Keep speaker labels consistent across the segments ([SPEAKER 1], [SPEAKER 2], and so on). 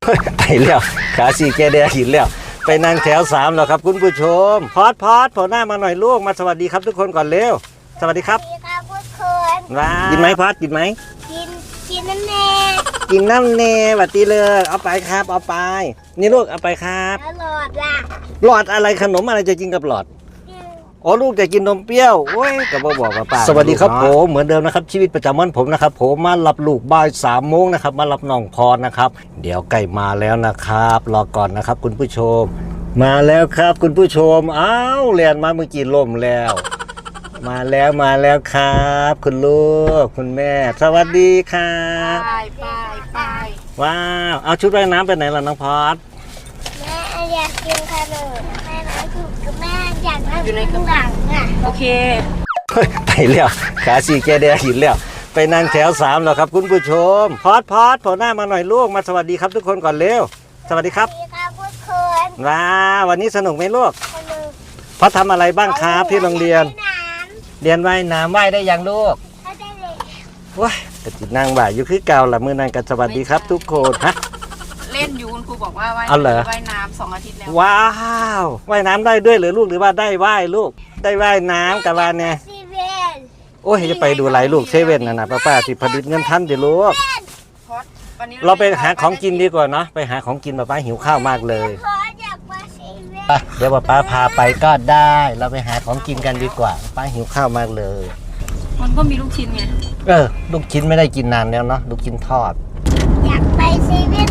[SPEAKER 1] ไปแล้วขาสี่แกแดงหินแล้วไปนั่งแถว3แล้วครับคุณผู้ชมพอดโผล่หน้ามาหน่อยลูกมาสวัสดีครับทุกคนก่อนเร็วสวัสดีครับ
[SPEAKER 2] สวัสดีครับทุกคน
[SPEAKER 1] ว้ากินไหมพอดกินไหม
[SPEAKER 2] กินน้ำแน่
[SPEAKER 1] กินน้ำเนสวัสดีเลยเอาไปครับเอาไปนี่ลูกเอาไปครับ
[SPEAKER 2] แล้วหลอดล่ะ
[SPEAKER 1] หลอดอะไรขนมอะไรจะกินกับหลอดอ๋อลูกจะกินนมเปรี้ยวโอ้ยก็บอกว่าป้าสวัสดีครับผมเหมือนเดิมนะครับชีวิตประจำวันผมนะครับผมมารับลูกบ่าย3 โมงนะครับมารับน้องพรนะครับเดี๋ยวใกล้มาแล้วนะครับรอก่อนนะครับคุณผู้ชมมาแล้วครับคุณผู้ชมอ้าวเรียนมาเมื่อกี้ล่มแล้วมาแล้วครับคุณลูกคุณแม่สวัสดีครับ
[SPEAKER 2] ไป
[SPEAKER 1] ว้าวเอาชุดว่ายน้ำไปไหนล่ะน้องพร
[SPEAKER 2] แม่อยากกินขนมแม่นะถูกกับแม่อยากนั่งอยู่ในกระบังอ่ะโอเค
[SPEAKER 1] ไปแล้วขาสี่แกแดงหินแล้วไปนั่งแถว3แล้วครับคุณผู้ชมพอดโผล่หน้ามาหน่อยลูกมาสวัสดีครับทุกคนก่อนเร็วสวัสดีครับ
[SPEAKER 2] สวัสดีครับทุกคน
[SPEAKER 1] ว้าวันนี้สนุกไหมลูก
[SPEAKER 2] สนุก
[SPEAKER 1] พอทำอะไรบ้างครับที่โรงเรียนเรียนว่ายน้ำว่ายได้ยังลูก
[SPEAKER 2] ได้เลย
[SPEAKER 1] ว้ายกระติดนั่งบ่ายอยู่คือเก่าละมือนางกันสวัสดีครับทุกคนฮะ
[SPEAKER 3] เล่นอยู่คุณครูบอกว่าว่ายน้ำ2 อาทิตย์แล้ว
[SPEAKER 1] ว้าวว่ายน้ำได้ด้วยหรือลูกหรือว่าได้ว่ายลูกได้ว่ายน้ำกับว่าเนี่ยโอ้ยจะไปดูไรลูกเซเว่นนะป้าที่ผลิตเงินทันเดี๋ยวลูกเราไปหาของกินดีกว่าเนาะไปหาของกินป้าหิวข้าวมากเลยเดี๋ยวป้าพาไปก็ได้เราไปหาของกินกันดีกว่าป้าหิวข้าวมากเลย
[SPEAKER 3] มันก็มีลูกชิ้นไง
[SPEAKER 1] ลูกชิ้นไม่ได้กินนานแล้วเนาะลูกชิ้นทอด
[SPEAKER 2] อยากไปเซเว่น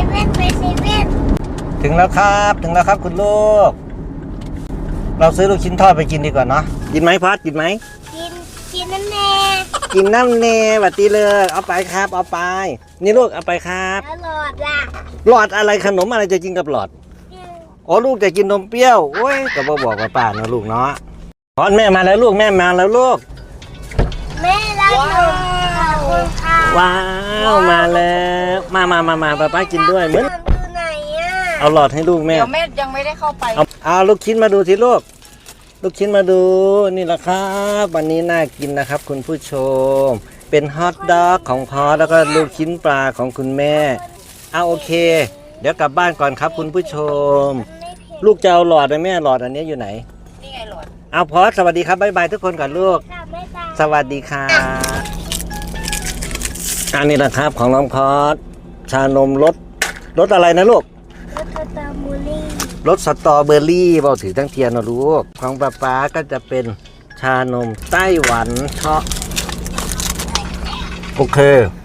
[SPEAKER 1] ถึงแล้วครับคุณลูกเราซื้อลูกชิ้นทอดไปกินดีกว่าเนาะกินไหมพัดกินไหม
[SPEAKER 2] กินน้ำแน่
[SPEAKER 1] กินน้ำเนสวัสดีเลยเอาไปครับเอาไปนี่ลูกเอาไปครับ
[SPEAKER 2] แล้วหลอดล่ะ
[SPEAKER 1] หลอดอะไรขนมอะไรจะกินกับหลอดอ๋อลูกจะกินนมเปรี้ยวโอ้ยก็บอกว่าป้าเนาะลูกเนาะพอดแม่มาแล้วลูกแม่มาแล้วลูก
[SPEAKER 2] แม่รักหนูขอบคุณค่ะ
[SPEAKER 1] ว้าวมาแล้วมาป้ากินด้วยเหมือน
[SPEAKER 2] ไหนอ่ะ
[SPEAKER 1] เอาหลอดให้ลูกแม่
[SPEAKER 3] เดี๋ยวแม่ยังไม่ได้เข้าไป
[SPEAKER 1] เอาลูกชิ้นมาดูสิลูกชิ้นมาดูนี่แหละครับวันนี้น่ากินนะครับคุณผู้ชมเป็นฮอทดอกของพอแล้วก็ลูกชิ้นปลาของคุณแม่เอาโอเคเดี๋ยวกลับบ้านก่อนครับคุณผู้ชมลูกจะเอาหลอดไหมแม่หลอดอันนี้อยู่ไหน
[SPEAKER 3] นี่ไงหลอด
[SPEAKER 1] เอาพอสวัสดีครับบ๊ายบายทุกคนก่อนลูกสวัสดีครับอันนี้นะครับของน้องพอสชานมรสอะไรนะลูกรสสตรอเบอรี่เบาถือทั้งเทียนนะลูกของป้าก็จะเป็นชานมไต้หวันเชาะโอเค